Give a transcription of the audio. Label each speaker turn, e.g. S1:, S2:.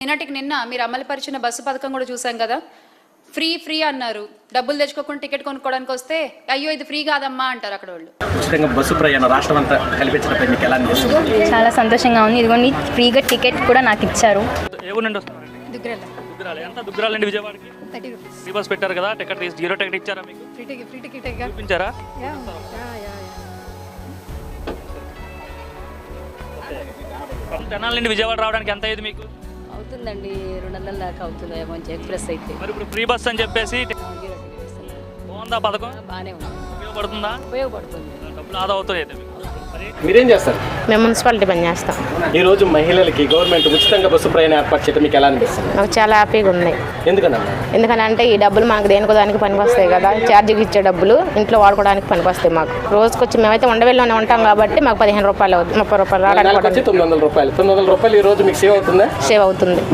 S1: నిన్నటికి నిన్న మీరు అమలుపరిచిన బస్సు పథకం కూడా చూసాం కదా. ఫ్రీ అన్నారు. డబ్బులు తెచ్చుకోకుండా టికెట్ కొనుక్కోవడానికి వస్తే అయ్యో ఇది ఫ్రీ కాదమ్మా అంటారు అక్కడ వాళ్ళు.
S2: ఉచితంగా బస్సు ప్రయాణం రాష్ట్రం అంతా కల్పించడంపై మీకు ఎలా అనిపిస్తుంది?
S3: చాలా సంతోషంగా ఉంది. ఇదిగోండి ఫ్రీగా టికెట్ కూడా నాకు ఇచ్చారు.
S4: ఏ ఊరు నుండి వస్తున్నారండి? దుగ్గరాల. ఎంత దుగ్గరాల నుండి విజయవాడకి
S1: 30 రూపీస్
S4: ఫ్రీ బస్ పెట్టారు కదా, టికెట్ జీరో టికెట్ ఇచ్చారా మీకు?
S1: Free ticket
S4: చూపించారా? తెనాలి నుండి విజయవాడ రావడానికి ఎంత అయ్యేది మీకు?
S5: అవుతుందండి 200 దాకా అవుతుంది మంచి ఎక్స్ప్రెస్ అయితే.
S4: మరి ఇప్పుడు ఫ్రీ బస్ అని చెప్పేసి బాగుందా పథకం?
S5: బాగానే ఉంది,
S4: ఉపయోగపడుతుంది, డబ్బులు ఆదా అవుతాయి అయితే మీకు.
S2: మీరేం చేస్తారు?
S6: మేము మున్సిపాలిటీ పని చేస్తాం.
S2: ఈ రోజు మహిళలకి గవర్నమెంట్ ఉచితంగా బస్సు ప్రయాణం ఏర్పాటు చేయడం మీకు ఎలా అనిపిస్తుంది?
S6: నాకు చాలా హ్యాపీగా ఉంది.
S2: ఎందుకన్నా?
S6: ఎందుకనంటే ఈ డబ్బులు మనకు దేనికో దానికి పనికి వస్తాయి కదా. ఛార్జీకి ఇచ్చే డబ్బులు ఇంట్లో వాడుకోవడానికి పనికి వస్తాయి. మాకు రోజుకి వచ్చి మేమైతే ఉండవేళ్ళలోనే ఉంటాం కాబట్టి మాకు 15 రూపాయలు అవుతుంది, 30 రూపాయలు రావడానికి
S2: 900 రూపాయలు. 900 రూపాయలు ఈ రోజు మీకు సేవ్ అవుతుందా?
S6: సేవ్ అవుతుంది.